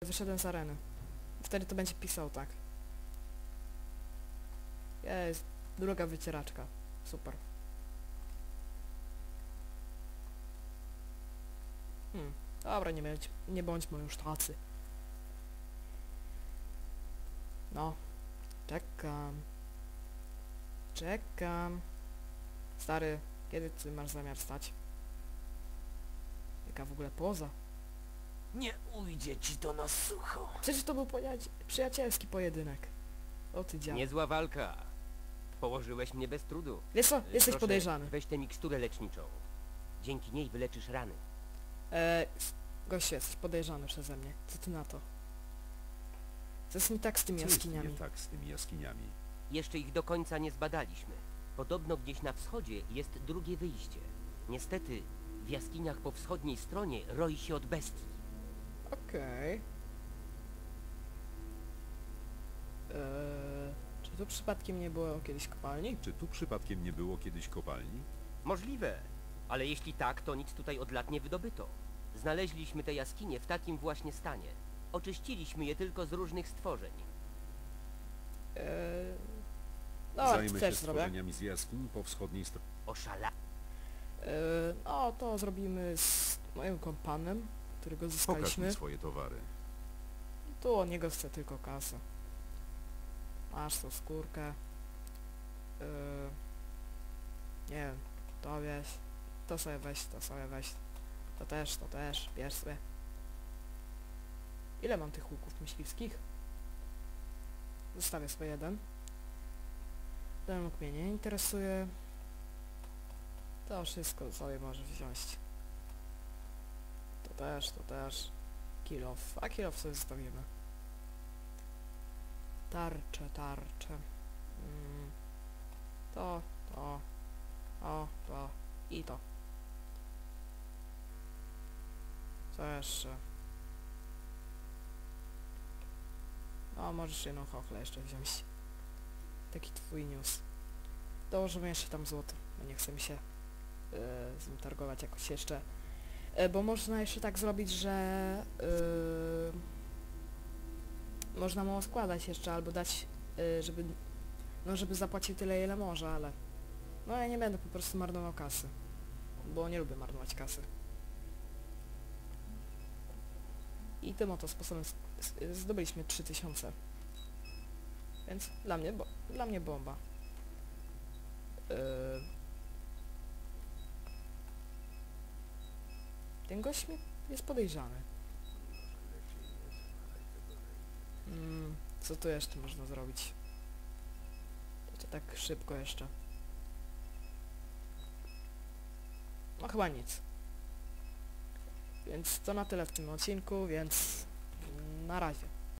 wyszedłem z areny. Wtedy to będzie pisał tak. Jest, druga wycieraczka. Super. Dobra, nie bądźmy już tacy. No. Czekam. Czekam. Stary, kiedy ty masz zamiar stać? Jaka w ogóle poza? Nie ujdzie ci to na sucho. Przecież to był przyjacielski pojedynek. O ty dziad. Niezła walka. Położyłeś mnie bez trudu. Wiesz co? Jesteś Proszę, podejrzany. weź tę miksturę leczniczą. Dzięki niej wyleczysz rany. Gościu, jesteś podejrzany przeze mnie. Co ty na to? Co jest nie tak z tymi Co jest jaskiniami? nie tak z tymi jaskiniami? Jeszcze ich do końca nie zbadaliśmy. Podobno gdzieś na wschodzie jest drugie wyjście. Niestety, w jaskiniach po wschodniej stronie roi się od bestii. Okej. Czy tu przypadkiem nie było kiedyś kopalni? Czy tu przypadkiem nie było kiedyś kopalni? Możliwe, ale jeśli tak, to nic tutaj od lat nie wydobyto. Znaleźliśmy te jaskinie w takim właśnie stanie. Oczyściliśmy je tylko z różnych stworzeń. No, Zajmę się też zrobię. stworzeniami z jaskiń po wschodniej stronie. No, to zrobimy z moim kompanem, którego Pokaż zyskaliśmy. mi swoje towary. Tu od niego chcę tylko kasę. Masz tą skórkę. Nie wiem, to weź. To sobie weź, to sobie weź. To też, bierz sobie. Ile mam tych łuków myśliwskich? Zostawię sobie jeden. Ten łuk mnie nie interesuje. To wszystko sobie możesz wziąć. To też. Kill off. A kill off sobie zostawimy. Tarcze. To. To. I to. Co jeszcze? No, możesz jedną chochlę jeszcze wziąć. Taki twój news. Dołożymy jeszcze tam złoto, bo nie chcę mi się z nim targować jakoś jeszcze. Bo można jeszcze tak zrobić, że można mu składać jeszcze, albo dać, żeby zapłacił tyle, ile może, ale no ja nie będę po prostu marnował kasy, bo nie lubię marnować kasy. I tym oto sposobem zdobyliśmy 3000. Więc dla mnie bomba. Ten gość jest podejrzany. Co tu jeszcze można zrobić? To tak szybko jeszcze. No chyba nic. Więc to na tyle w tym odcinku, więc na razie.